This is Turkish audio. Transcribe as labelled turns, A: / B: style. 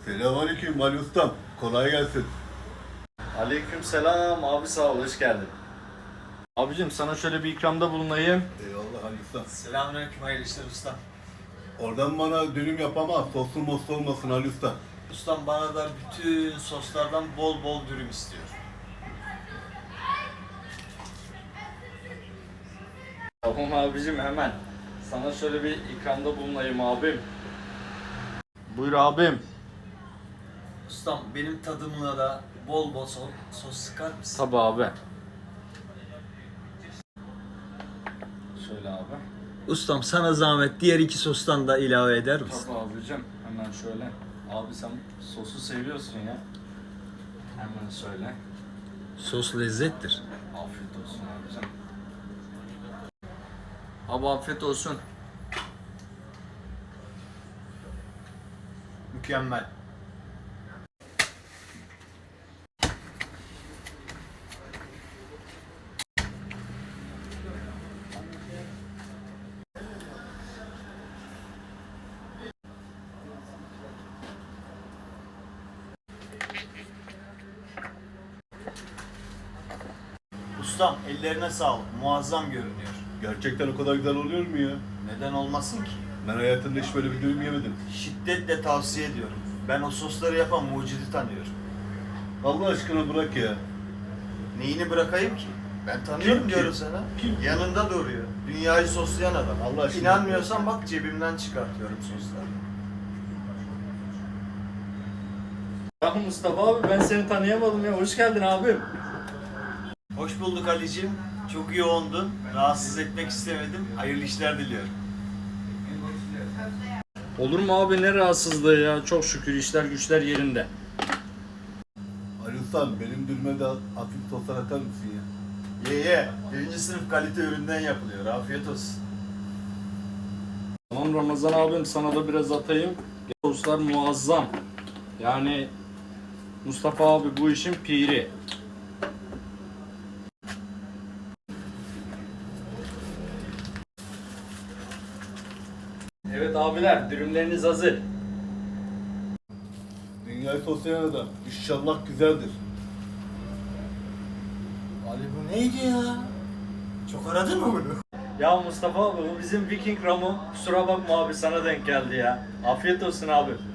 A: Selamünaleyküm Ali Ustam. Kolay gelsin.
B: Aleykümselam abi, sağ ol, hoş geldin. Abicim sana şöyle bir ikramda bulunayım.
A: Eyvallah Ali Ustam.
C: Selamünaleyküm, hayırlı işler ustam.
A: Oradan bana dürüm yapama, soslu moslu olmasın Ali Usta.
C: Ustam bana da bütün soslardan bol bol dürüm istiyor.
B: Tamam abicim, hemen. Sana şöyle bir ikramda bulunayım abim. Buyur abim.
C: Ustam benim tadımına da bol bol sos sıkar mısın?
B: Tabii abi. Şöyle abi.
C: Ustam sana zahmet diğer iki sostan da ilave eder misin?
B: Tabii abicim, hemen şöyle. Abi sen sosu seviyorsun ya. Hemen söyle.
C: Sos lezzettir.
B: Afiyet olsun abicim. Abi afiyet olsun.
C: Mükemmel. Ustam ellerine sağlık. Muazzam görünüyor.
A: Gerçekten o kadar güzel oluyor mu ya?
C: Neden olmasın ki?
A: Ben hayatımda hiç böyle bir dürüm yemedim.
C: Şiddetle tavsiye ediyorum. Ben o sosları yapan mucidi tanıyorum.
A: Allah aşkına bırak ya.
C: Neyini bırakayım ki? Ben tanıyorum
A: Kim ki?
C: diyorum sana.
A: Kim?
C: Yanında duruyor. Dünyayı soslayan adam.
A: Allah aşkına.
C: İnanmıyorsan bak cebimden çıkartıyorum sosları.
B: Ya Mustafa abi, ben seni tanıyamadım ya. Hoş geldin abim.
C: Hoş bulduk Ali'cim. Çok yoğundun. Rahatsız etmek istemedim. Hayırlı işler diliyorum.
B: Olur mu abi, ne rahatsızlığı ya. Çok şükür işler güçler yerinde.
A: Ali Ustam benim dürüme de hafif soslar atar mısın ya?
C: Ye. Birinci sınıf kalite üründen yapılıyor. Afiyet olsun.
B: Tamam Ramazan abim, sana da biraz atayım. Soslar muazzam. Yani Mustafa abi bu işin piri. Evet abiler, dürümleriniz hazır.
A: Dünyayı soslayan adam. İnşallah güzeldir.
C: Ali bu neydi ya? Çok aradın mı bunu?
B: Ya Mustafa abi, bu bizim Viking Ram'ı. Kusura bakma abi, sana denk geldi ya. Afiyet olsun abi.